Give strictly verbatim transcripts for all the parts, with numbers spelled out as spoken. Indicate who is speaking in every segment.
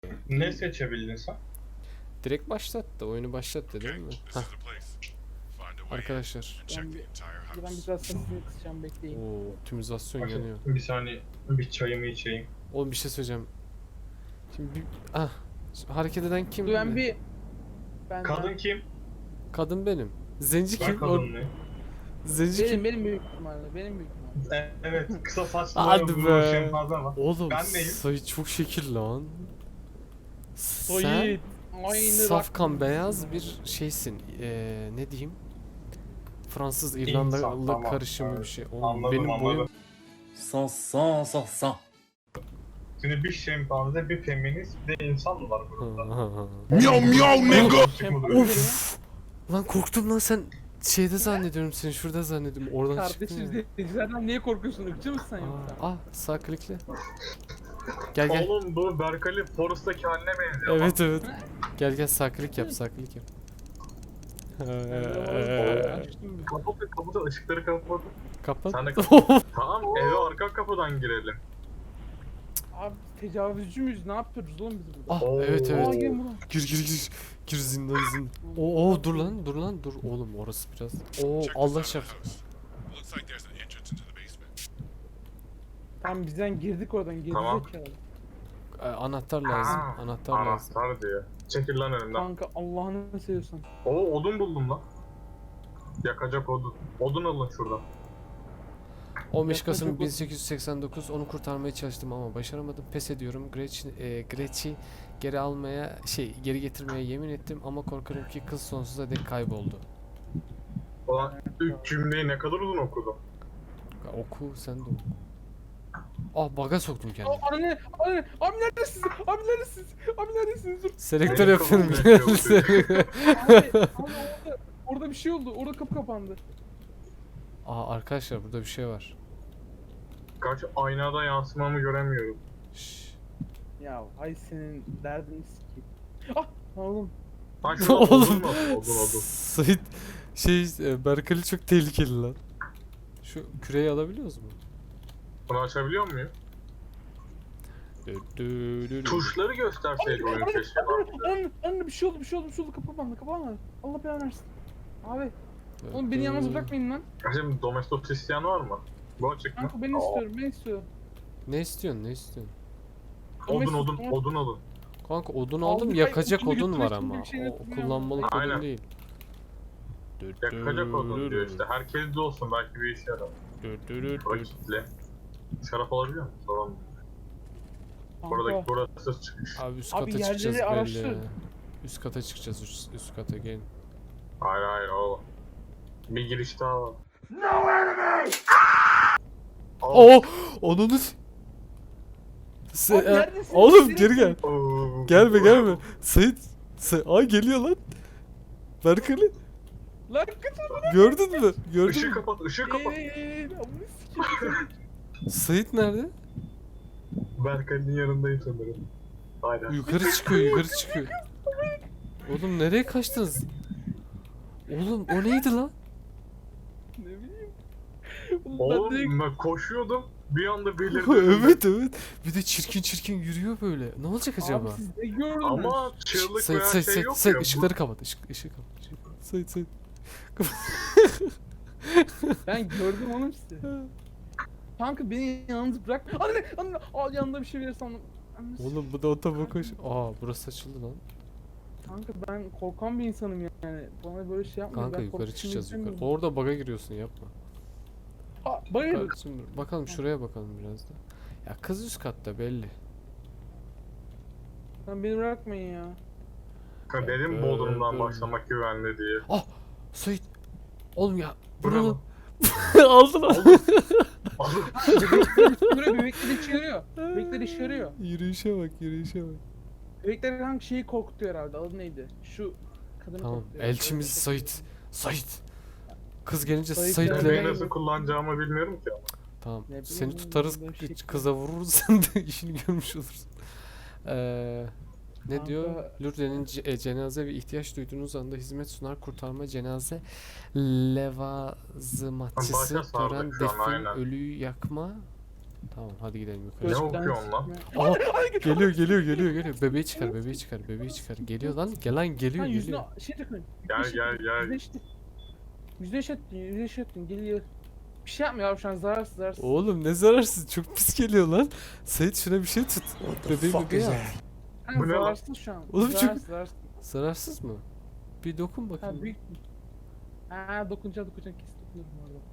Speaker 1: Ne seçebildin sen?
Speaker 2: Direkt başlattı. Oyunu başlattı değil mi? Hah. Arkadaşlar.
Speaker 3: Ben bir, ben biraz sesini kısacağım, bekleyin.
Speaker 2: Oo, optimizasyon
Speaker 1: Bakın,
Speaker 2: yanıyor.
Speaker 1: bir saniye bir çayımı içeyim.
Speaker 2: Oğlum bir şey söyleyeceğim. Şimdi bir... Ah. Hareket eden kim?
Speaker 3: Dur ben bir... Ben
Speaker 1: Kadın kim?
Speaker 2: Kadın benim. Zenci
Speaker 1: Ben
Speaker 2: kim? O...
Speaker 1: kadın mı?
Speaker 2: Zenci
Speaker 3: benim,
Speaker 2: kim?
Speaker 3: benim büyük ihtimalle, benim büyük ihtimalle.
Speaker 1: E, evet, kısa saçlı
Speaker 2: Hadi
Speaker 1: uzun
Speaker 2: be.
Speaker 1: şempanze var.
Speaker 2: Oğlum
Speaker 1: Ben neyim?
Speaker 2: sayı çok şekil lan. Sen
Speaker 3: Soyit. Aynı
Speaker 2: safkan
Speaker 3: bak-
Speaker 2: beyaz bir şeysin. Ee, ne diyeyim? Fransız
Speaker 1: İnsan,
Speaker 2: İrlandalı
Speaker 1: tamam,
Speaker 2: karışımı
Speaker 1: evet.
Speaker 2: bir şey. Oğlum
Speaker 1: Anladım,
Speaker 2: benim
Speaker 1: anladım.
Speaker 2: boyum
Speaker 4: Sans sans sans sans.
Speaker 1: Şimdi bir şempanze, bir feminist, bir de insan mı var burada?
Speaker 4: Miau miau nigga.
Speaker 2: Of! Lan korktum lan, sen şeyde zannediyorum, seni şurada zannediyorum. Oradan çıktın
Speaker 3: Kardeşim
Speaker 2: ya.
Speaker 3: izleyicilerden niye korkuyorsun? Irkçı mısın sen yoksa?
Speaker 2: Aa, ah, sağ klikle. Gel gel.
Speaker 1: Oğlum bu Berkali Forest'taki haline benziyor.
Speaker 2: Evet evet. Gel gel, sağ klik yap, sağ klik yap.
Speaker 3: Açtım.
Speaker 1: Kapatın, kapatın, ışıkları kapatın.
Speaker 2: Kapat.
Speaker 1: Sen de kapat. Tamam, eve arka kapıdan girelim.
Speaker 3: Abi tecavüzcü müyüz? Ne yapıyoruz oğlum biz burada?
Speaker 2: Ah
Speaker 1: Oo.
Speaker 2: evet
Speaker 3: Aa,
Speaker 2: evet.
Speaker 3: gelin buraya.
Speaker 2: Gir gir gir. Gir zindan zindan. Oo, oo dur lan dur lan dur. Oğlum orası biraz. Oo Allah şaf.
Speaker 3: Tamam bizden girdik oradan, geri
Speaker 1: Tamam.
Speaker 3: zekalı.
Speaker 2: Ee, anahtar lazım.
Speaker 1: Ha,
Speaker 2: Anahtar lazım.
Speaker 1: Anahtar diyor. Çekil lan önümden.
Speaker 3: Kanka Allah'ını seviyorsan.
Speaker 1: Oo, odun buldum lan. Yakacak odun. Odun alın şuradan.
Speaker 2: on beş
Speaker 3: Yaklaşık
Speaker 2: Kasım
Speaker 3: o-
Speaker 2: bin sekiz yüz seksen dokuz, onu kurtarmaya çalıştım ama başaramadım. Pes ediyorum. Gretch, e, Gretch'i geri almaya, şey geri getirmeye yemin ettim ama korkarım ki kız sonsuza dek kayboldu.
Speaker 1: Ulan üç cümleyi ne kadar uzun okudum.
Speaker 2: Ya oku sen de oku. Ah baga soktum kendimi.
Speaker 3: Aa, anne, anne, abi neredesiniz? Abi neredesiniz? Abi neredesiniz? Dur.
Speaker 2: Selektör
Speaker 1: Benim
Speaker 2: yapıyorum.
Speaker 1: kafam yakıyor.
Speaker 3: Abi, abi orada, orada bir şey oldu. Orada kapı kapandı.
Speaker 2: Aa arkadaşlar burada bir şey var.
Speaker 1: Kaç aynada yansımamı göremiyorum.
Speaker 2: Şşş.
Speaker 3: Ya ay senin derdini sikeyim. Ah oğlum.
Speaker 1: Lan şurada odun
Speaker 2: Oğlum.
Speaker 1: mu? Odun odun.
Speaker 2: Sait şey e, Berkali çok tehlikeli lan. Şu küreyi alabiliyoruz mu?
Speaker 1: Bunu açabiliyor muyum?
Speaker 2: Dü dü dü dü.
Speaker 1: Tuşları gösterseydi oyun keşke.
Speaker 3: Anne, anne bir şey oldu, bir şey oldu, bir şey oldu. Kapı kapandı, kapı kapandı. Allah belanı versin. Abi, oğlum beni yalnız bırakmayın lan.
Speaker 1: Şimdi domestos isteyen var mı? Bu açık mı?
Speaker 3: Kanka ben istiyorum, ben istiyorum.
Speaker 2: Ne istiyorsun ne istiyorsun?
Speaker 1: Odun odun odun odun.
Speaker 2: Kanka odun
Speaker 3: Aldım,
Speaker 2: aldım,
Speaker 3: ben
Speaker 2: yakacak
Speaker 3: odunu
Speaker 2: odun var
Speaker 3: götürmek
Speaker 2: ama.
Speaker 3: için bir şey
Speaker 2: O
Speaker 3: yapmıyorum.
Speaker 2: kullanmalık
Speaker 1: Aynen.
Speaker 2: odun değil. Dü dü
Speaker 1: Yakacak odun
Speaker 2: dü
Speaker 1: diyor
Speaker 2: dü.
Speaker 1: işte. Herkes de olsun belki bir işe yarar.
Speaker 2: Dü dü dü
Speaker 1: Bura
Speaker 2: dü.
Speaker 1: kitle. Şarap alabiliyor musun? Tamam. Buradaki
Speaker 3: Kanka,
Speaker 1: burası çıkış.
Speaker 2: Abi üst
Speaker 3: Abi
Speaker 2: kata
Speaker 3: yerleri
Speaker 2: çıkacağız belli
Speaker 3: araştır.
Speaker 2: ya. Üst kata çıkacağız, üst, üst kata gelin.
Speaker 1: Hayır hayır oğlum. Bir giriş daha var. Aa,
Speaker 2: Oo! Onu s- Se-
Speaker 3: Abi
Speaker 2: e,
Speaker 3: neredesin?
Speaker 2: Oğlum
Speaker 3: Nereye
Speaker 2: geri gel.
Speaker 1: oo.
Speaker 2: Gelme gelme. Sait. Sa Ay geliyor lan. Berkali.
Speaker 3: lan kaçın.
Speaker 2: Gördün mü? Gördün
Speaker 1: Işığı
Speaker 2: mü?
Speaker 1: kapat, ışığı kapat.
Speaker 3: Eee, eee, amına sikeyim.
Speaker 2: Sait nerede?
Speaker 1: Berkali'nin yanındayım sanırım. Aynen.
Speaker 2: Yukarı çıkıyor, yukarı çıkıyor. Oğlum nereye kaçtınız? Oğlum o neydi lan?
Speaker 3: Ne bileyim. Oğlum ben direkt
Speaker 1: Oğlum ben koşuyordum. Bir anda belirdi.
Speaker 2: Evet evet. Bir de çirkin çirkin yürüyor böyle. Ne olacak acaba?
Speaker 3: Abi siz ne gördünüz?
Speaker 1: Ama çığlık
Speaker 2: Sait
Speaker 1: veya
Speaker 2: Sait
Speaker 1: şey
Speaker 2: Sait
Speaker 1: yok
Speaker 2: Sait
Speaker 1: ya.
Speaker 2: ışıkları kapat. Işık ışığı kapat. Işığı kapat. Sait Sait.
Speaker 3: Ben gördüm oğlum sizi. Kanka beni yalnız bırak. Anne, anne, al yanında bir şey verirsen. Anne,
Speaker 2: Oğlum bu da otobüs koş. Aa burası açıldı lan.
Speaker 3: Kanka ben korkan bir insanım yani. Bana böyle şey yapma.
Speaker 2: Kanka
Speaker 3: ben
Speaker 2: yukarı
Speaker 3: korkusunu
Speaker 2: çıkacağız yukarı.
Speaker 3: istemiyorum.
Speaker 2: Orada baga giriyorsun, yapma.
Speaker 3: Aa, bayır.
Speaker 2: Kardeşim, bakalım şuraya bakalım biraz da. Ya kız üst katta belli.
Speaker 3: Lan beni bırakmayın ya.
Speaker 1: Ha, Dedim
Speaker 2: Ee,
Speaker 1: Bodrum'dan
Speaker 2: dur.
Speaker 1: başlamak güvenli diye.
Speaker 2: Ah! Sait! Oğlum ya
Speaker 1: Bu ne
Speaker 2: bunu
Speaker 1: lan?
Speaker 2: aldın lan.
Speaker 3: Buraya bebekler işe yarıyor. Bebekler işe yarıyor.
Speaker 2: Yürüyüşe bak, yürüyüşe bak.
Speaker 3: Bebekler hangi şeyi korkutuyor herhalde. Adı neydi? Şu kadını
Speaker 2: Tamam,
Speaker 3: korkutuyor.
Speaker 2: elçimiz Sait. Sait. Kız gelince
Speaker 3: Sait
Speaker 2: Sait'le...
Speaker 3: nerede?
Speaker 1: Bebeği nasıl kullanacağımı bilmiyorum ki ama.
Speaker 2: Tamam,
Speaker 3: Ne bileyim
Speaker 2: seni
Speaker 3: oğlum,
Speaker 2: tutarız,
Speaker 3: böyle şey-
Speaker 2: kıza vururuz, sen de işini görmüş olursun. Eee... Ne
Speaker 3: Kanka-
Speaker 2: diyor? Lourdes'in ce- e, cenaze ve ihtiyaç duyduğunuz anda hizmet sunar, kurtarma, cenaze, levazımatçısı,
Speaker 1: Başa sardık
Speaker 2: tören,
Speaker 1: şu an,
Speaker 2: defin,
Speaker 1: aynen.
Speaker 2: ölüyü yakma, Tamam hadi gidelim
Speaker 1: Ne
Speaker 2: yukarı.
Speaker 3: Gözden
Speaker 1: okuyorsun lan?
Speaker 3: sikme.
Speaker 2: Aa, geliyor geliyor geliyor geliyor. Bebeği çıkar bebeği çıkar bebeği çıkar. Geliyor lan gel lan geliyor
Speaker 3: Lan yüzüne
Speaker 2: geliyor.
Speaker 3: şey takın.
Speaker 1: Gel gel gel.
Speaker 3: Yüzleştin. Yüzleştin. Yüzleştin. Geliyor. Bir şey yapmıyor abi şu an zararsız zararsız.
Speaker 2: Oğlum ne zararsız çok pis geliyor lan. Sait şuna bir şey tut. Bebeği bebeği al.
Speaker 3: Kanka
Speaker 1: Bu ne lan?
Speaker 3: zararsız şu an.
Speaker 2: Oğlum çok-
Speaker 3: zararsız, zararsız.
Speaker 2: Zararsız mı? Bir dokun
Speaker 3: Ha
Speaker 2: bakayım.
Speaker 3: büyük. Ha dokunacağım dokunacağım kesin dokunurum orada.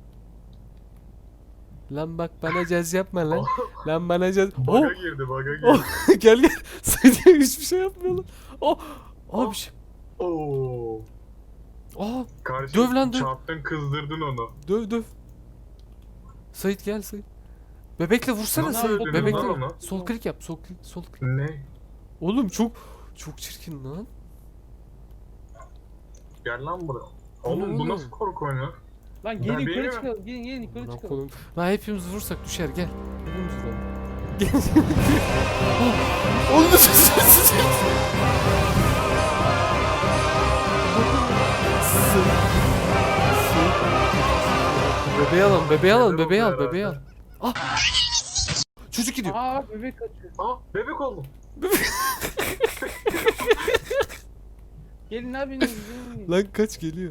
Speaker 2: Lan bak bana caz yapma lan. Lan bana caz. Oh
Speaker 1: Baga girdi baga girdi.
Speaker 2: oh gel gel. Sait hiçbir şey yapmıyor lan. Oh. Oh bir şey.
Speaker 1: Oo.
Speaker 2: Aa
Speaker 1: Kardeşim
Speaker 2: Döv lan, döv.
Speaker 1: çarptın kızdırdın onu.
Speaker 2: döv döv. Sait gel Sait. Bebekle vursana
Speaker 1: Nasıl
Speaker 2: Sait.
Speaker 1: öldürdün
Speaker 2: Bebekle.
Speaker 1: lan onu?
Speaker 2: Sol klik yap. Sol klik. Sol klik.
Speaker 1: Ne?
Speaker 2: Oğlum çok çok çirkin lan.
Speaker 1: Gel lan buraya.
Speaker 2: Bu ne
Speaker 1: Oğlum bu
Speaker 2: oğlum?
Speaker 1: nasıl korku oyunu?
Speaker 3: Lan gelin
Speaker 1: Bebeği
Speaker 3: yukarı
Speaker 1: mi?
Speaker 3: çıkalım. Gelin gelin yukarı
Speaker 2: Lan
Speaker 3: çıkalım.
Speaker 2: kolum. Lan hepimiz vursak düşer gel. Hepimiz vuralım. Gel. Oh, Oğlum nasıl sessiz? Bebeği alalım, bebeği alalım, bebeği al, bebeği al. Ah! Çocuk gidiyor.
Speaker 3: Aa bebek kaçıyor.
Speaker 1: Aa bebek oldum.
Speaker 3: Gelin abi gelin gelin.
Speaker 2: Lan kaç geliyor.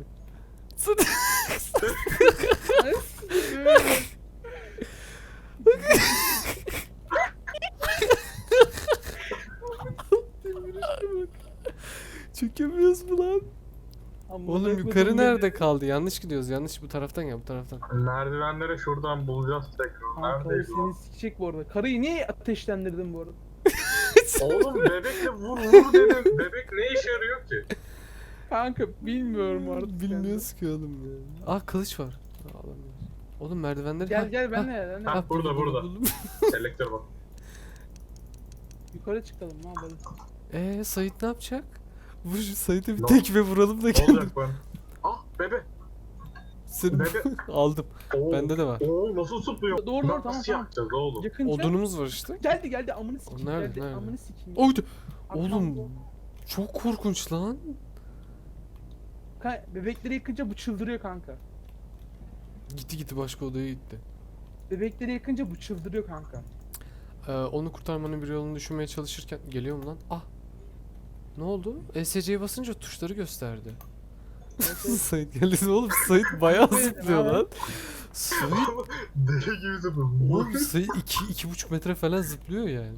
Speaker 2: Çökemiyoruz mu lan? Oğlum yukarı nerede kaldı? Yanlış gidiyoruz. Yanlış bu taraftan ya bu taraftan.
Speaker 1: Merdivenlere şuradan bulacağız tekrar.
Speaker 3: Kanka
Speaker 1: Neredeydi o?
Speaker 3: seni sikecek bu arada. Karıyı niye ateşlendirdin bu arada?
Speaker 1: Oğlum bebekle vur vur dedim. Bebek ne işe yarıyor ki?
Speaker 3: Kanka bilmiyorum artık.
Speaker 2: Bilmiyoruz ki oğlum ya. Aa kılıç var. Aa, alamıyoruz. Oğlum merdivenleri...
Speaker 3: Gel
Speaker 2: Ha,
Speaker 3: gel
Speaker 2: ha,
Speaker 3: benle benle.
Speaker 1: Ha, burada,
Speaker 2: buldum,
Speaker 1: burada.
Speaker 2: buldum.
Speaker 1: Selektör bak.
Speaker 3: Yukarı çıkalım ne yapalım.
Speaker 2: Eee Sait ne yapacak? Vur Sait'e bir
Speaker 1: Ne
Speaker 2: tekme vuralım da
Speaker 1: Ne
Speaker 2: geldim.
Speaker 1: olacak ben? Ah bebe.
Speaker 2: Seni
Speaker 1: Bebe.
Speaker 2: aldım.
Speaker 1: Oo.
Speaker 2: Bende de var.
Speaker 1: Oo nasıl zıplıyor?
Speaker 3: Doğru, doğru,
Speaker 1: Nasıl
Speaker 3: tamam, tamam.
Speaker 1: yapacağız oğlum?
Speaker 3: Yakınca.
Speaker 2: Odunumuz var işte.
Speaker 3: Geldi geldi amını sikeyim.
Speaker 2: O nerede,
Speaker 3: geldi,
Speaker 2: nerede?
Speaker 3: Amını sikeyim.
Speaker 2: Oydu.
Speaker 3: Arkamda.
Speaker 2: Oğlum çok korkunç lan.
Speaker 3: Kanka, bebekleri yıkınca bu çıldırıyor kanka.
Speaker 2: Gitti gitti başka odaya gitti.
Speaker 3: Bebekleri yakınca bu çıldırıyor kanka.
Speaker 2: Ee, onu kurtarmanın bir yolunu düşünmeye çalışırken geliyorum lan. Ah. Ne oldu? E S C'ye basınca tuşları gösterdi. Sait geldi oğlum. Sait bayağı
Speaker 3: Böyle
Speaker 2: zıplıyor
Speaker 3: abi.
Speaker 2: lan. Sait
Speaker 1: Deli gibi zıplıyor.
Speaker 2: oğlum Sait iki iki buçuk metre falan zıplıyor yani.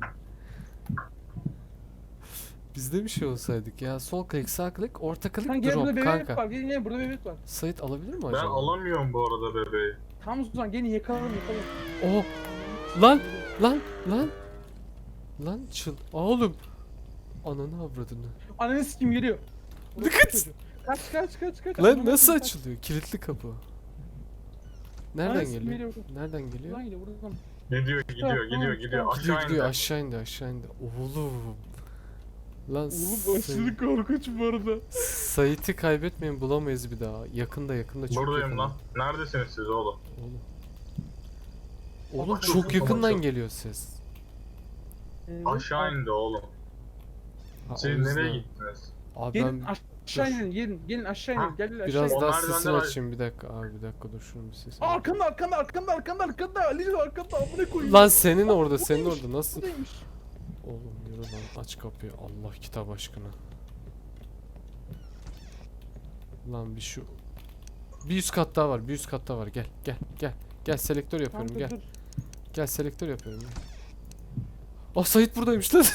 Speaker 2: Biz de bir şey olsaydık ya. Sol klik, sağ klik, orta klik,
Speaker 3: Kanka gel burada
Speaker 2: drop
Speaker 3: bebek
Speaker 2: kanka.
Speaker 3: var. Gelin gelin burada bebek var.
Speaker 2: Sait alabilir mi
Speaker 1: Ben
Speaker 2: acaba?
Speaker 1: alamıyorum bu arada bebeği.
Speaker 3: Tamam o zaman gelin yakalım yakalım.
Speaker 2: Oh. Lan lan lan. Lan çıl. Aa, oğlum. Ananı avradını.
Speaker 3: Ananı sikim geliyor.
Speaker 2: Dikkat.
Speaker 3: Kaç kaç kaç kaç.
Speaker 2: Lan
Speaker 3: Ananı
Speaker 2: nasıl
Speaker 3: sikeyim, kaç.
Speaker 2: açılıyor? Kilitli kapı. Nereden
Speaker 3: Ananı sikim
Speaker 2: geliyor? Nereden geliyor?
Speaker 3: Buradan geliyor buradan.
Speaker 1: Gidiyor gidiyor
Speaker 3: Tamam,
Speaker 1: gidiyor
Speaker 3: tamam,
Speaker 1: gidiyor.
Speaker 3: tamam.
Speaker 2: Gidiyor
Speaker 1: Aşağı
Speaker 2: gidiyor
Speaker 1: indi.
Speaker 2: aşağı indi aşağı indi. Oğlum. Lan
Speaker 3: Oğlum aşırı korkunç bu arada.
Speaker 2: Sait'i kaybetmeyin bulamayız bir daha. Yakında yakında çok
Speaker 1: Buradayım
Speaker 2: yakında.
Speaker 1: lan. Neredesiniz siz oğlum?
Speaker 2: Oğlum. Oğlum
Speaker 1: Bak,
Speaker 2: çok
Speaker 1: çok
Speaker 2: yakından
Speaker 1: yakın.
Speaker 2: geliyor ses.
Speaker 3: Ee,
Speaker 1: Aşağı indi oğlum.
Speaker 2: Ha,
Speaker 1: Siz
Speaker 2: o yüzden-
Speaker 1: nereye gittiniz?
Speaker 2: Abi
Speaker 3: Gelin
Speaker 2: ben
Speaker 3: aşağı
Speaker 2: Dur.
Speaker 3: inin gelin gelin aşağı
Speaker 1: Ha,
Speaker 3: inin gel gel aşağı
Speaker 2: biraz
Speaker 3: inin.
Speaker 1: O
Speaker 2: daha
Speaker 1: merdivenden
Speaker 2: sesini
Speaker 1: ay-
Speaker 2: açayım bir dakika. Abi bir dakika dur şunun bir sesini.
Speaker 3: Aa, arkanda arkanda arkanda arkanda arkanda Ali'nin arkanda amına koyayım.
Speaker 2: Lan senin orada
Speaker 3: Bu
Speaker 2: senin
Speaker 3: neymiş?
Speaker 2: orada nasıl?
Speaker 3: Bu neymiş?
Speaker 2: Oğlum yürü lan aç kapıyı Allah kitap aşkına. Lan bir şu bir üst kat daha var bir üst kat daha var gel gel gel gel selektör yapıyorum
Speaker 3: Kanka,
Speaker 2: gel
Speaker 3: dur.
Speaker 2: gel selektör yapıyorum gel. Oh Sait buradaymış lan.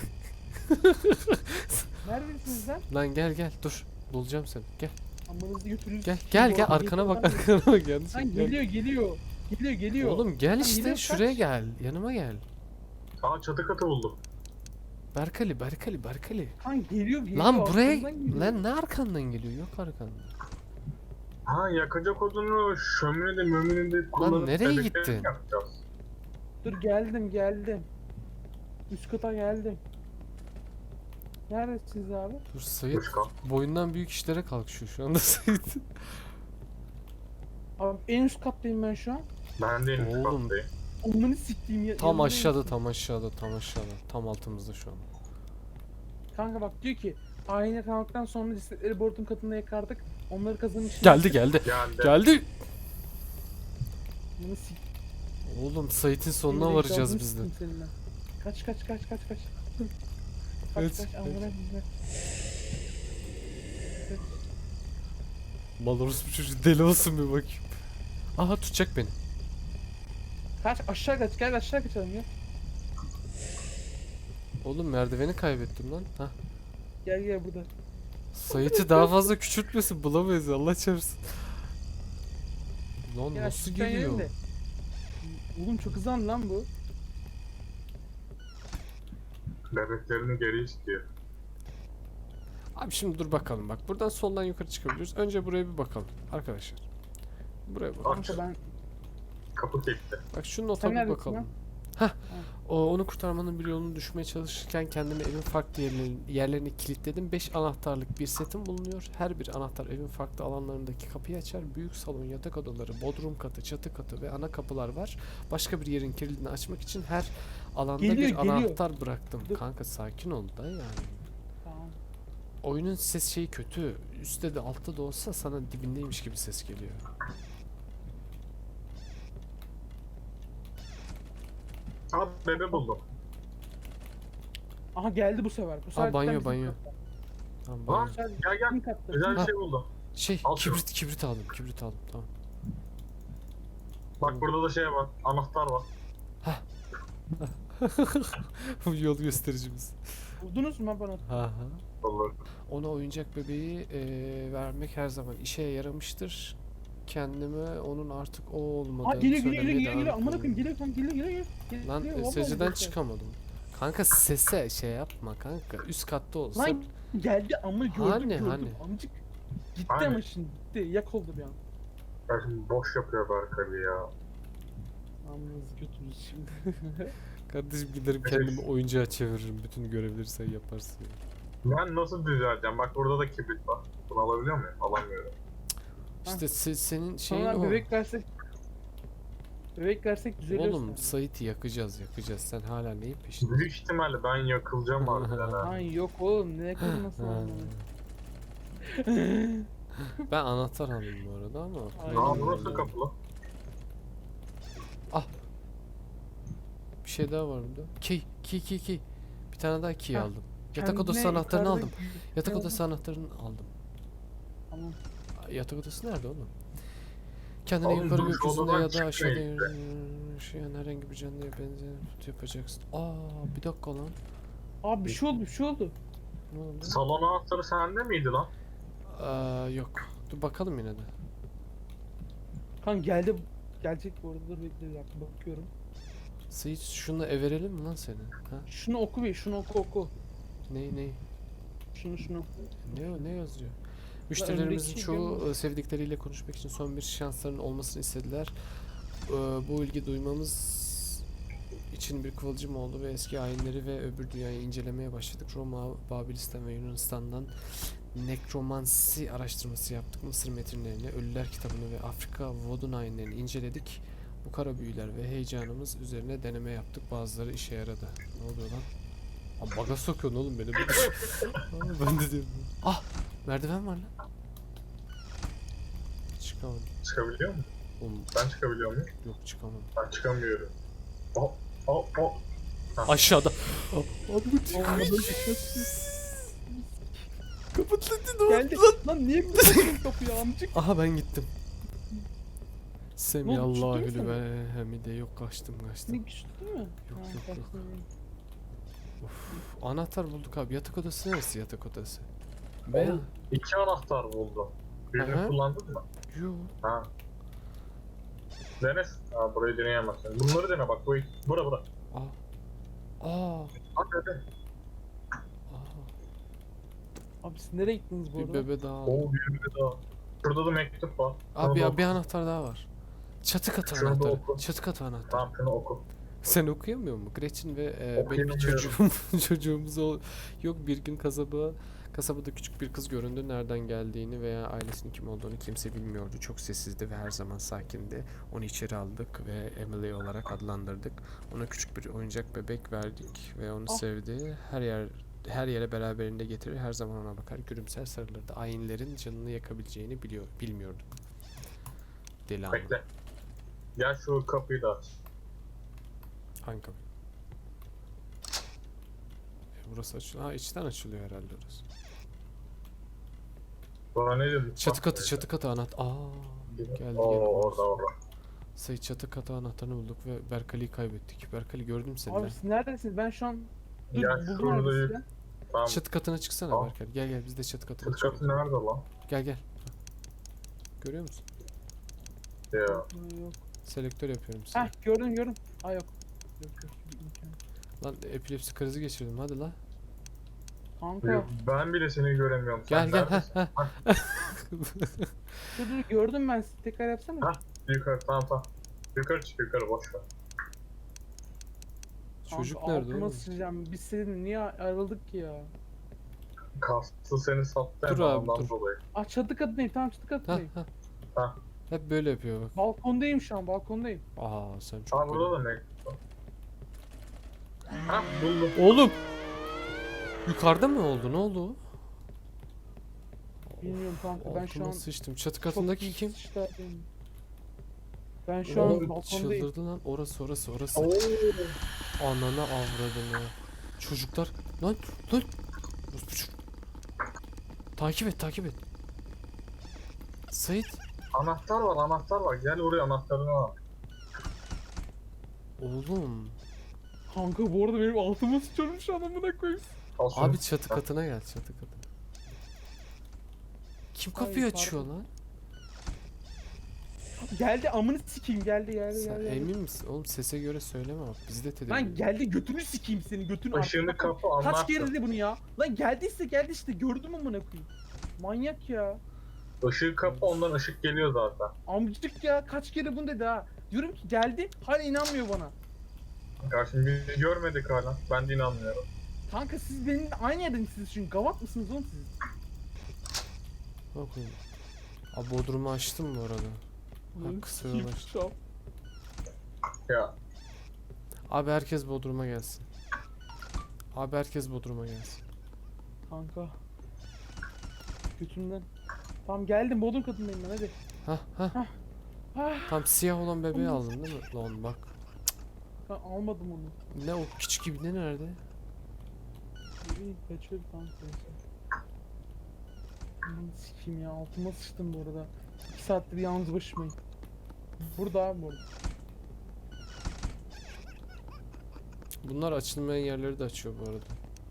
Speaker 3: Neredesiniz lan?
Speaker 2: Lan gel gel dur bulacağım seni gel
Speaker 3: Amanızı götürürüz.
Speaker 2: gel gel gel arkana bak arkana bak yanlış
Speaker 3: Lan
Speaker 2: gel.
Speaker 3: geliyor geliyor. Geliyor geliyor.
Speaker 2: Oğlum gel işte
Speaker 3: geliyor,
Speaker 2: şuraya
Speaker 3: kaç.
Speaker 2: gel yanıma gel.
Speaker 1: Aa çatı katı buldum.
Speaker 2: Berkali Berkali Berkali.
Speaker 3: Lan geliyor geliyor.
Speaker 2: Lan buraya
Speaker 3: arkamdan geliyor.
Speaker 2: lan ne arkandan geliyor yok arkanda.
Speaker 1: Ha yakacak odunu şöminede möminede kullanıp
Speaker 2: nereye
Speaker 1: bebekleri
Speaker 2: gittin?
Speaker 1: yapacağız.
Speaker 3: Dur geldim geldim. Üst kata geldim. Neredesiniz abi?
Speaker 2: Dur Sait
Speaker 1: Üst kat.
Speaker 2: boyundan büyük işlere kalkışıyor şu anda Sait.
Speaker 3: Abi en üst kattayım ben şu an.
Speaker 1: Ben de en üst
Speaker 2: Oğlum.
Speaker 1: kattayım.
Speaker 3: Amını siktiğim ya.
Speaker 2: Tam
Speaker 3: yanındayım.
Speaker 2: aşağıda tam aşağıda tam aşağıda tam altımızda şu an.
Speaker 3: Kanka bak diyor ki ayna kalmaktan sonra cesetleri board'un katında yakardık. Onları kazanın içine.
Speaker 2: Geldi geldi
Speaker 1: Geldi.
Speaker 2: geldi.
Speaker 3: Amını sik.
Speaker 2: Oğlum Sait'in sonuna
Speaker 3: Gerizekalı
Speaker 2: varacağız
Speaker 3: mısın
Speaker 2: biz de.
Speaker 3: seninle? Kaç kaç kaç kaç kaç. Kaç
Speaker 2: Evet,
Speaker 3: kaç
Speaker 2: evet.
Speaker 3: amına bize.
Speaker 2: Mal orospu çocuğu deli olsun bir bakayım. Aha tutacak beni.
Speaker 3: Kaç aşağı kaç gel aşağı kaçalım ya.
Speaker 2: Oğlum merdiveni kaybettim lan. Hah.
Speaker 3: Gel gel burada.
Speaker 2: Sait'i daha fazla küçültmesin, bulamayız Allah çarpsın. Lan
Speaker 3: Gel
Speaker 2: nasıl
Speaker 3: aşağı inelim
Speaker 2: geliyor?
Speaker 3: de. Oğlum çok hızlı lan bu.
Speaker 1: Bebeklerini geri istiyor.
Speaker 2: Abi şimdi dur bakalım bak. Buradan soldan yukarı çıkabiliyoruz. Önce buraya bir bakalım arkadaşlar. Buraya bak.
Speaker 3: Kanka ben
Speaker 1: Kapı kilitli.
Speaker 2: Bak şu nota
Speaker 3: Sen
Speaker 2: bir
Speaker 3: neredesin
Speaker 2: bakalım.
Speaker 3: lan?
Speaker 2: Hah. O onu kurtarmanın bir yolunu düşmeye çalışırken kendimi evin farklı yerlerini, yerlerini kilitledim. beş anahtarlık bir setim bulunuyor. Her bir anahtar evin farklı alanlarındaki kapıyı açar. Büyük salon, yatak odaları, bodrum katı, çatı katı ve ana kapılar var. Başka bir yerin kilidini açmak için her alanda
Speaker 3: Geliyor,
Speaker 2: bir
Speaker 3: geliyor.
Speaker 2: anahtar bıraktım.
Speaker 3: Dur.
Speaker 2: Kanka sakin ol da yani.
Speaker 3: tamam.
Speaker 2: Oyunun ses şeyi kötü. Üstte de altta da olsa sana dibindeymiş gibi ses geliyor.
Speaker 1: Abi bebe buldum.
Speaker 3: Aha geldi bu sefer. Bu sefer
Speaker 2: banyo,
Speaker 3: cidden bizim
Speaker 2: banyo.
Speaker 3: katta.
Speaker 2: Tamam,
Speaker 1: Lan
Speaker 2: banyo.
Speaker 3: Bu sefer
Speaker 1: gel gel.
Speaker 3: bizim katta.
Speaker 1: Güzel bir
Speaker 2: Ha.
Speaker 1: şey buldum.
Speaker 2: Şey
Speaker 1: Al şunu.
Speaker 2: kibrit kibrit aldım kibrit aldım tamam.
Speaker 1: Bak burada da şey var. Anahtar var.
Speaker 2: Bu yol göstericimiz.
Speaker 3: Buldunuz mu bana?
Speaker 2: Ha
Speaker 1: Olur.
Speaker 2: Ona oyuncak bebeği eee, vermek her zaman işe yaramıştır. Kendime onun artık o olmadığını
Speaker 3: Aa geliyor geliyor
Speaker 2: söylemeye
Speaker 3: geliyor
Speaker 2: devam
Speaker 3: geliyor. Amına
Speaker 2: ediyorum.
Speaker 3: koyayım geliyor kanka geliyor geliyor. geliyor.
Speaker 2: Lan
Speaker 3: Geliyor,
Speaker 2: e,
Speaker 3: vallahi
Speaker 2: secdeden
Speaker 3: geliyor.
Speaker 2: çıkamadım. Kanka sese şey yapma kanka. Üst katta olsa.
Speaker 3: Lan geldi ama gördüm
Speaker 2: Hani,
Speaker 3: gördüm.
Speaker 2: hani?
Speaker 3: Amcık gitti
Speaker 1: Hani?
Speaker 3: ama şimdi gitti. Yak oldu bir an.
Speaker 1: Ya şimdi boş yapıyor Berkay ya.
Speaker 3: Yalnız götürürüz şimdi.
Speaker 2: Kardeşim giderim kendimi oyuncağa çeviririm. Bütün görevleri sen yaparsın. ya.
Speaker 1: Ben nasıl düzelteceğim? Bak burada da kibrit var. Bunu alabiliyor muyum? Alamıyorum.
Speaker 2: İşte se- senin şeyin
Speaker 3: Sonra
Speaker 2: o.
Speaker 3: bebek versek bebek versek düzeliyor.
Speaker 2: Oğlum Sait'i yakacağız yakacağız. Sen hala neyin peşinde?
Speaker 1: Büyük ihtimalle ben yakılacağım harbiden ha.
Speaker 3: Lan yok oğlum ne kırması
Speaker 2: Ha.
Speaker 3: lan.
Speaker 2: Ben anahtar aldım bu arada ama.
Speaker 3: Aynen.
Speaker 1: Aa burası kapalı.
Speaker 2: Bir şey daha var burada. Key, key, key, key. Bir tane daha key
Speaker 3: Ha,
Speaker 2: aldım. Yatak
Speaker 3: Kendine
Speaker 2: odası anahtarını
Speaker 3: yukarıda
Speaker 2: aldım.
Speaker 3: gü-
Speaker 2: Yatak
Speaker 3: ne
Speaker 2: odası
Speaker 3: oldu?
Speaker 2: anahtarını aldım.
Speaker 3: Tamam.
Speaker 2: Yatak odası nerede oğlum? Kendine
Speaker 1: Oğlum,
Speaker 2: yukarı
Speaker 1: dur, şu
Speaker 2: gökyüzünde
Speaker 1: odadan
Speaker 2: ya da
Speaker 1: çıkmayın
Speaker 2: aşağıda
Speaker 1: işte.
Speaker 2: yaşayan herhangi bir canlıya benzeyen put yapacaksın. Aa bir dakika lan.
Speaker 3: Abi bir şey oldu bir şey oldu.
Speaker 2: Ne oldu?
Speaker 1: Salon anahtarı sende miydi lan?
Speaker 2: Aa yok. Dur bakalım yine de.
Speaker 3: Kan geldi. Gelecek bu arada dur bekle bir dakika bakıyorum.
Speaker 2: Sait şunu everelim mi lan seni? Ha?
Speaker 3: Şunu oku bir şunu oku oku.
Speaker 2: Ne ne?
Speaker 3: Şunu şunu.
Speaker 2: Ne o- ne yazıyor? Müşterilerimizin
Speaker 3: öndeki
Speaker 2: çoğu
Speaker 3: gün-
Speaker 2: e, sevdikleriyle konuşmak için son bir şansların olmasını istediler. E, Bu ilgi duymamız için bir kıvılcım oldu ve eski ayinleri ve öbür dünyayı incelemeye başladık. Roma, Babilistan ve Yunanistan'dan nekromansi araştırması yaptık. Mısır metinlerini, Ölüler kitabını ve Afrika vodun ayinlerini inceledik. Bu kara büyüler ve heyecanımız üzerine deneme yaptık. Bazıları işe yaradı. Ne oluyor lan? Aa, baga sokuyorsun oğlum beni. Aa, ben de diyorum. Ah! Merdiven var lan. Çıkamadım.
Speaker 1: Çıkabiliyor mu?
Speaker 2: Oğlum
Speaker 1: Ben çıkabiliyor muyum?
Speaker 2: yok çıkamadım.
Speaker 1: Ben çıkamıyorum. Oh, oh, oh.
Speaker 2: Aşağıda. Abi bu
Speaker 3: Olmadı.
Speaker 2: Kapat lan ne oldu
Speaker 3: Geldi.
Speaker 2: lan?
Speaker 3: Lan niye bir kapıyı amcık?
Speaker 2: Aha ben gittim.
Speaker 3: Ne
Speaker 2: Semi
Speaker 3: oldu, çıktı mı
Speaker 2: Allahü
Speaker 3: sen?
Speaker 2: ve hamide yok kaçtım
Speaker 3: Ne
Speaker 2: kaçtım.
Speaker 3: güçlü değil mi?
Speaker 2: Yok,
Speaker 3: Ha,
Speaker 2: yok, yok.
Speaker 3: kaçtın.
Speaker 2: Of, anahtar bulduk abi. Yatak odası neresi yatak odası? Veya
Speaker 1: Oğlum, İki anahtar buldum. Birini
Speaker 2: Aha.
Speaker 1: kullandın mı?
Speaker 2: yok.
Speaker 1: Ha. Dene. Ha burayı deneyemezsin. Bunları dene bak. Bu bura bura.
Speaker 2: Aa. Aa.
Speaker 1: Hadi hadi.
Speaker 2: Aa.
Speaker 3: Abi siz nereye gittiniz bu
Speaker 2: Bir
Speaker 3: arada?
Speaker 2: bebe daha aldım.
Speaker 1: Oo bir bir daha. Şurada da mektup var. Şunu
Speaker 2: Abi
Speaker 1: da
Speaker 2: ya
Speaker 1: oku.
Speaker 2: bir anahtar daha var. Çatı katı
Speaker 1: Şunu da
Speaker 2: anahtarı.
Speaker 1: oku.
Speaker 2: Çatı katı anahtar.
Speaker 1: Tamam şunu oku.
Speaker 2: Sen okuyamıyor musun? Gretchen ve e, benim bir
Speaker 1: Okuyamıyorum.
Speaker 2: çocuğum çocuğumuz ol yok bir gün kasaba kasabada küçük bir kız göründü. Nereden geldiğini veya ailesinin kim olduğunu kimse bilmiyordu. Çok sessizdi ve her zaman sakindi. Onu içeri aldık ve Emily olarak adlandırdık. Ona küçük bir oyuncak bebek verdik ve onu
Speaker 3: Ah.
Speaker 2: sevdi. Her yer her yere beraberinde getirir. Her zaman ona bakar, gülümser, sarılırdı. Ayinlerin canını yakabileceğini biliyor bilmiyorduk. Deli ama.
Speaker 1: Bekle. Gel şu kapıyı da aç.
Speaker 2: Kanka. E, burası açılıyor. Ha içten açılıyor herhalde orası.
Speaker 1: Bana ne dedin?
Speaker 2: Çatı katı çatı katı anahtar. Aa geldi
Speaker 1: Oo
Speaker 2: gene.
Speaker 1: orada orada.
Speaker 2: Sayı çatı katı anahtarını bulduk ve Berkali'yi kaybettik. Berkali gördüm seni
Speaker 3: Abi
Speaker 2: lan.
Speaker 3: siz neredesiniz? Ben şu an dur
Speaker 1: Ya
Speaker 3: buldum
Speaker 1: şurada
Speaker 3: abi
Speaker 1: yük-
Speaker 3: sizi.
Speaker 1: Tamam.
Speaker 2: Çatı katına çıksana
Speaker 1: Tamam.
Speaker 2: Berkali. Gel gel biz de çatı katına
Speaker 1: Çatı
Speaker 2: çıkalım.
Speaker 1: katı nerede lan?
Speaker 2: Gel gel. Görüyor musun?
Speaker 1: Ya.
Speaker 3: Yok.
Speaker 2: Selektör yapıyorum sana.
Speaker 3: Heh gördüm gördüm. Aa yok. Yok yok. imkan.
Speaker 2: Lan epilepsi krizi geçirdim hadi la.
Speaker 3: Kanka.
Speaker 1: Ben bile seni göremiyorum.
Speaker 2: Gel
Speaker 1: Sen
Speaker 2: gel ha
Speaker 1: neredesin?
Speaker 2: ha.
Speaker 3: Dur dur gördüm ben sizi. Tekrar yapsana.
Speaker 1: Ha. Yukarı tamam tamam. Yukarı çık yukarı boş ver.
Speaker 2: Çocuk
Speaker 3: Kanka,
Speaker 2: nerede
Speaker 3: altıma
Speaker 2: oğlum?
Speaker 3: sıçacağım. Biz seninle niye ayrıldık ki ya?
Speaker 1: Kastı seni sattı
Speaker 2: Dur
Speaker 1: hemen
Speaker 2: abi,
Speaker 1: ondan
Speaker 2: dur.
Speaker 1: dolayı.
Speaker 3: Ah çatı katındayım. Tamam çatı
Speaker 2: Ha
Speaker 3: katındayım.
Speaker 2: ha.
Speaker 1: Ha.
Speaker 2: Hep böyle yapıyor bak.
Speaker 3: Balkondayım şu an balkondayım.
Speaker 2: Aa sen çok
Speaker 1: Aa burada
Speaker 2: garip.
Speaker 1: da ne? Ha buldum.
Speaker 2: Oğlum. Yukarıda mı oldu? Ne oldu o?
Speaker 3: Bilmiyorum kanka ben şu
Speaker 2: Altıma
Speaker 3: an
Speaker 2: sıçtım. Çatı
Speaker 3: çok
Speaker 2: katındaki
Speaker 3: büyük
Speaker 2: kim?
Speaker 3: sıçradım. Ben şu
Speaker 1: Oğlum,
Speaker 3: an balkondayım.
Speaker 2: Çıldırdı lan. Orası orası orası.
Speaker 1: Oo.
Speaker 2: Anana avradını. Çocuklar. Lan lan. Orospu çocuk. Takip et takip et. Sait.
Speaker 1: Anahtar var anahtar var. Gel oraya anahtarını al.
Speaker 2: Oğlum.
Speaker 3: Kanka bu arada benim altıma sıçıyorum şu an amına koyayım.
Speaker 1: Al şunu.
Speaker 2: Abi çatı katına gel çatı katına. Kim
Speaker 3: Ay,
Speaker 2: kapıyı
Speaker 3: pardon.
Speaker 2: açıyor lan?
Speaker 3: Geldi amını sikeyim geldi geldi
Speaker 2: Sen
Speaker 3: geldi.
Speaker 2: emin misin? Oğlum sese göre söyleme bak. Biz de tedirgin.
Speaker 3: Lan geldi götünü sikeyim seni götünü.
Speaker 1: Işığını
Speaker 3: Artık-
Speaker 1: kapı
Speaker 3: Kaç
Speaker 1: anlattı.
Speaker 3: kere dedi bunu ya? Lan geldiyse geldi işte gördüm amına koyayım. Manyak ya.
Speaker 1: Işığı kapı ondan ışık geliyor zaten.
Speaker 3: Amcık ya kaç kere bunu dedi ha. Diyorum ki geldi hala inanmıyor bana.
Speaker 1: Karşım biz görmedik hala. Ben de inanmıyorum.
Speaker 3: Kanka siz benimle aynı yerde misiniz çünkü gavat mısınız oğlum siz?
Speaker 2: Bakayım. Abi Bodrum'u açtım bu arada.
Speaker 3: Ulan
Speaker 2: kısa
Speaker 3: sikeyim
Speaker 2: yol aç.
Speaker 3: şu an.
Speaker 1: Ya
Speaker 2: Abi herkes Bodrum'a gelsin. Abi herkes Bodrum'a gelsin.
Speaker 3: Kanka. Götümden. Tamam geldim bodrum katındayım ben hadi.
Speaker 2: Hah hah.
Speaker 3: Ah,
Speaker 2: Tam siyah olan bebeği aldın değil mi? Lan bak.
Speaker 3: ben almadım onu.
Speaker 2: Ne o küçük ibne nerede?
Speaker 3: İyi kaçıyor kanka. Aman sikeyim ya altıma sıçtım bu arada. iki saattir yalnız başımayım. Burada abi burada.
Speaker 2: Bunlar açılmayan yerleri de açıyor bu arada.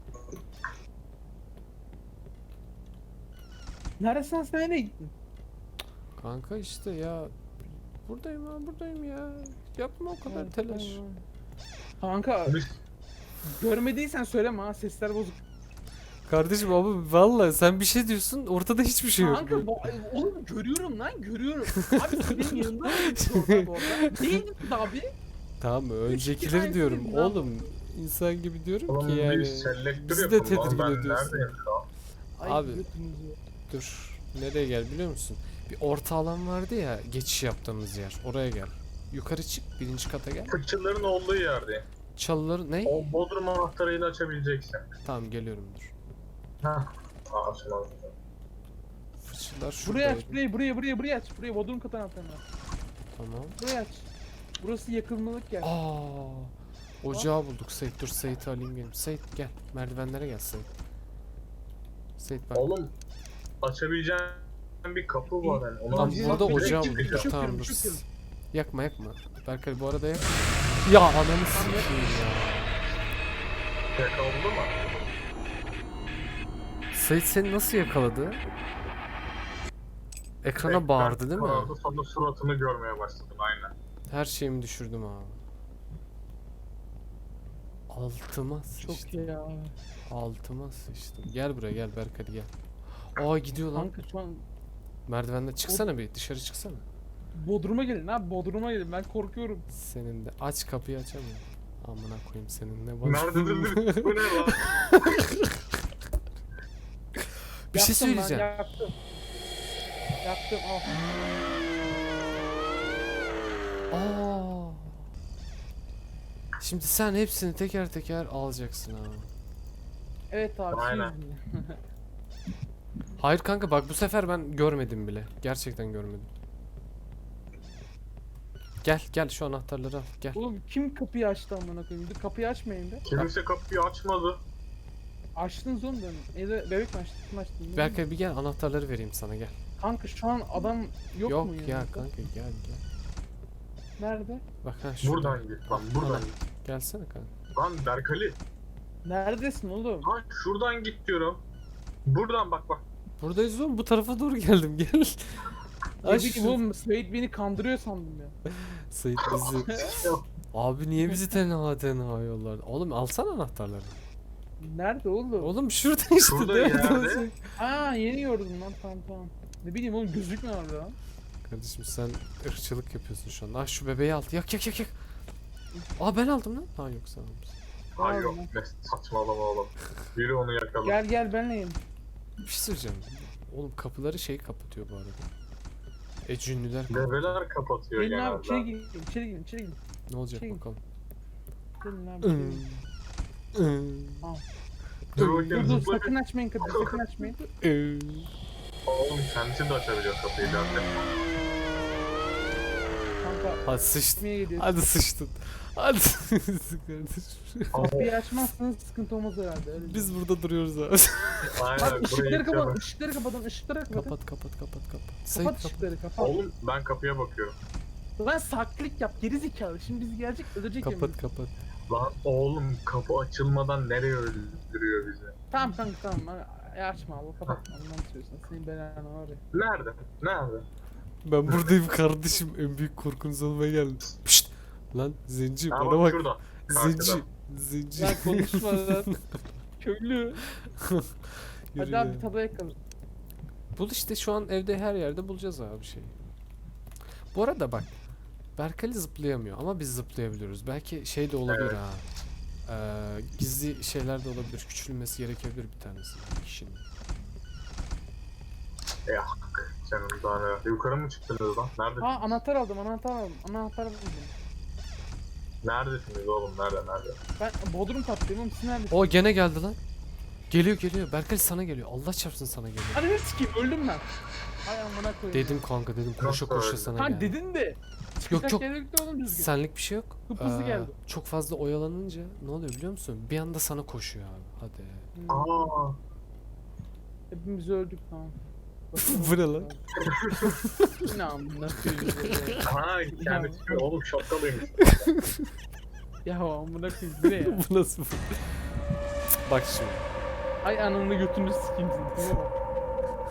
Speaker 3: Neredesin sen nereye gittin?
Speaker 2: Kanka işte ya. Buradayım ha buradayım ya. Yapma o kadar
Speaker 3: Evet,
Speaker 2: telaş.
Speaker 3: tamam. Kanka
Speaker 1: biz
Speaker 3: görmediysen söyleme ha sesler bozuk.
Speaker 2: Kardeşim abi vallahi sen bir şey diyorsun ortada hiçbir şey yok.
Speaker 3: Kanka bu, oğlum görüyorum lan görüyorum. Abi siz benim yanımda mıydınız orada bu arada? Değildiniz abi.
Speaker 2: Tamam mı? Öncekileri
Speaker 3: tanesi
Speaker 2: diyorum
Speaker 3: değil lan.
Speaker 2: oğlum. İnsan gibi diyorum
Speaker 1: oğlum
Speaker 2: ki yani.
Speaker 1: bir selektör
Speaker 2: bizi de
Speaker 1: yapalım lan.
Speaker 2: tedirgin
Speaker 1: Ben
Speaker 2: ediyorsun.
Speaker 1: neredeyim şu an?
Speaker 3: Ay,
Speaker 2: Abi.
Speaker 3: götünüzü.
Speaker 2: Dur. Nereye gel biliyor musun? Bir orta alan vardı ya geçiş yaptığımız yer. Oraya gel. Yukarı çık birinci kata gel.
Speaker 1: Fıçıların olduğu yerdeyim.
Speaker 2: Çalıları ne?
Speaker 1: O bodrum anahtarıyla açabileceksin.
Speaker 2: Tamam geliyorum dur.
Speaker 1: Hah. Aa açılmadı.
Speaker 2: Fıçılar şurada.
Speaker 3: Buraya aç burayı buraya buraya buraya aç. Buraya bodrum katı anahtarını aç.
Speaker 2: Tamam.
Speaker 3: Buraya aç. Burası yakılmalık yer.
Speaker 2: Aa, ocağı bulduk Sait. Dur Sait'i alayım gelin. Sait gel. Merdivenlere gel Sait. Sait bak.
Speaker 1: Oğlum açabileceğin bir kapı var yani. Ona
Speaker 2: Tam
Speaker 3: Direkt
Speaker 2: burada
Speaker 3: direkt
Speaker 2: ocağı
Speaker 3: çıkacağım.
Speaker 2: bulduk.
Speaker 3: Çıkıyorum,
Speaker 2: Tamam dur.
Speaker 3: çıkıyorum.
Speaker 2: Yakma yakma. Berkay bu arada yak. Ya ananı sikeyim ya.
Speaker 1: yakaladı mı?
Speaker 2: Sait seni nasıl yakaladı? Ekrana bağırdı değil mi?
Speaker 1: Bağırdı sonra suratını görmeye başladın aynen.
Speaker 2: Her şeyimi düşürdüm abi. Altıma sıçtım.
Speaker 3: Çok iyi ya.
Speaker 2: Altıma sıçtım. Gel buraya gel Berkay gel. Aa gidiyor lan.
Speaker 3: Kanka şu an
Speaker 2: Merdivenden çıksana bir dışarı çıksana.
Speaker 3: bodruma gelin ha bodruma gelin ben korkuyorum.
Speaker 2: Senin de aç kapıyı açamıyorum. Amına koyayım senin ne var?
Speaker 1: Nerede dedi? Bu ne lan?
Speaker 2: Bir şey
Speaker 3: Yaktım lan,
Speaker 2: söyleyeceğim.
Speaker 3: Yaktım. Yaktım al.
Speaker 2: Aa. Şimdi sen hepsini teker teker alacaksın abi.
Speaker 3: Evet abi.
Speaker 1: Aynen.
Speaker 3: şey yüzünden.
Speaker 2: Hayır kanka bak bu sefer ben görmedim bile. Gerçekten görmedim. Gel gel şu anahtarları al gel.
Speaker 3: Oğlum kim kapıyı açtı amına koyayım? Bir kapıyı açmayın be.
Speaker 1: Kimse kapıyı açmadı.
Speaker 3: Açtınız oğlum ben. Evde bebek mi açtı? Kim açtı? bilmiyorum.
Speaker 2: Berkay bir gel anahtarları vereyim sana gel.
Speaker 3: Kanka şu an adam yok,
Speaker 2: Yok,
Speaker 3: mu
Speaker 2: ya
Speaker 3: yanında?
Speaker 2: kanka gel gel.
Speaker 3: Nerede?
Speaker 2: Bak ha şurada.
Speaker 1: Buradan git lan buradan git.
Speaker 2: Gelsene kanka.
Speaker 1: Lan Berkali.
Speaker 3: Neredesin oğlum?
Speaker 1: Lan şuradan git diyorum. Buradan bak bak.
Speaker 2: Buradayız oğlum bu tarafa doğru geldim gel.
Speaker 3: Ne
Speaker 2: Ay
Speaker 3: bileyim
Speaker 2: şu-
Speaker 3: oğlum Sait beni kandırıyor sandım ya.
Speaker 2: Sait bizi. Abi niye bizi tenha tenha yollar? Oğlum alsana anahtarları.
Speaker 3: Nerede oğlum?
Speaker 2: Oğlum şurada işte.
Speaker 1: Şurada
Speaker 2: nerede
Speaker 1: yerde.
Speaker 2: olacak?
Speaker 3: Aa yeni gördüm lan tamam tamam. Ne bileyim oğlum gözükmüyor orada lan.
Speaker 2: Kardeşim sen ırkçılık yapıyorsun şu an. Ah şu bebeği al. Yak yak yak yak. Aa ben aldım lan. Ha yok sen almışsın.
Speaker 1: Ay
Speaker 3: Al
Speaker 1: yok
Speaker 3: lan.
Speaker 1: ne saçmalama oğlum. Biri onu yakaladı.
Speaker 3: Gel gel benle yiyin.
Speaker 2: Bir şey söyleyeceğim. Oğlum kapıları şey kapatıyor bu arada. E cünlüler kapatıyor.
Speaker 1: Bebeler kapatıyor
Speaker 3: Gelin abi
Speaker 1: genelde.
Speaker 3: içeri girin içeri girin içeri girin.
Speaker 2: Ne olacak
Speaker 3: şey-
Speaker 2: bakalım.
Speaker 3: Gelin abi. içeri girin.
Speaker 1: Dur
Speaker 3: Dur
Speaker 1: bakayım
Speaker 3: dur
Speaker 1: zıpla.
Speaker 3: sakın açmayın kapıyı sakın açmayın.
Speaker 1: Oğlum kendisi de açabiliyor kapıyı zaten.
Speaker 3: Kanka
Speaker 2: Hadi sıçtın.
Speaker 3: açmaya geliyor.
Speaker 2: Hadi sıçtın. Hadi sıçtın kardeşim.
Speaker 3: Kapıyı açmazsanız sıkıntı olmaz herhalde. Öyle
Speaker 2: Biz burada duruyoruz abi.
Speaker 1: Aynen
Speaker 3: Bak
Speaker 1: burayı
Speaker 3: ışıkları kapatın,
Speaker 1: yıkayalım.
Speaker 3: ışıkları kapatın, ışıkları kapatın.
Speaker 2: Kapat kapat kapat kapat.
Speaker 3: Kapat
Speaker 2: Sayın kapat.
Speaker 3: ışıkları, kapat.
Speaker 1: Oğlum ben kapıya bakıyorum.
Speaker 3: Lan saklik yap, geri zekalı. Şimdi bizi gelecek, öldürecek
Speaker 2: Kapat
Speaker 3: yemin.
Speaker 2: kapat.
Speaker 1: Lan oğlum kapı açılmadan nereye öldürüyor bizi?
Speaker 3: Tamam kanka tamam. E, açma abi, kapatma. Ondan söylüyorsun. Senin belanı var ya.
Speaker 1: Nerede? Nerede?
Speaker 2: Ben buradayım kardeşim. En büyük korkunuz olmaya geldim. Pişt. Lan zenci
Speaker 1: Ha,
Speaker 2: bana
Speaker 1: bak
Speaker 2: bak.
Speaker 1: şurada.
Speaker 2: Zenci.
Speaker 1: Arkada.
Speaker 2: Zenci.
Speaker 3: Ya konuşma lan. Köylü.
Speaker 2: Yürü
Speaker 3: Hadi abi
Speaker 2: ya.
Speaker 3: tabağa yakalım.
Speaker 2: Bul işte şu an evde her yerde bulacağız abi şeyi. Bu arada bak. Berkali zıplayamıyor ama biz zıplayabiliyoruz. Belki şey de olabilir
Speaker 1: Evet.
Speaker 2: ha. Ee, gizli şeyler de olabilir. Küçülmesi gerekebilir bir tanesi. Kişinin.
Speaker 1: Ya senin daha ne? Yukarı mı çıktınız lan? Nerede?
Speaker 3: Ha anahtar aldım, anahtar aldım. Anahtar buldum.
Speaker 1: Neredesiniz oğlum? Nerede? Nerede?
Speaker 3: Ben Bodrum kattayım oğlum, siz neredesiniz?
Speaker 2: O gene geldi lan. Geliyor geliyor. Berkali sana geliyor. Allah çarpsın sana geliyor.
Speaker 3: Hadi ne sikeyim, öldüm ben. Ay amına koyayım.
Speaker 2: Dedim kanka dedim koşa
Speaker 1: Nasıl
Speaker 2: koşa
Speaker 1: öyle?
Speaker 2: sana
Speaker 3: Ha
Speaker 2: geldi.
Speaker 3: dedin de.
Speaker 2: Yok,
Speaker 3: Çıkacak
Speaker 2: yok.
Speaker 3: yer yoktu oğlum düzgün.
Speaker 2: Senlik bir şey yok.
Speaker 3: Hıp hızlı geldi.
Speaker 2: Çok fazla oyalanınca ne oluyor biliyor musun? Bir anda sana koşuyor abi. Hadi.
Speaker 3: Hmm.
Speaker 1: Aa,
Speaker 3: Hepimiz öldük tamam.
Speaker 2: Bu ne lan?
Speaker 3: Ne amına koyayım.
Speaker 1: ha kendisi oğlum şapkalıymış.
Speaker 3: Ya amına koyayım bu ne ya?
Speaker 2: Bu nasıl bu? Bak şimdi.
Speaker 3: Ay ananı götünü sikeyim seni. Tamam mı?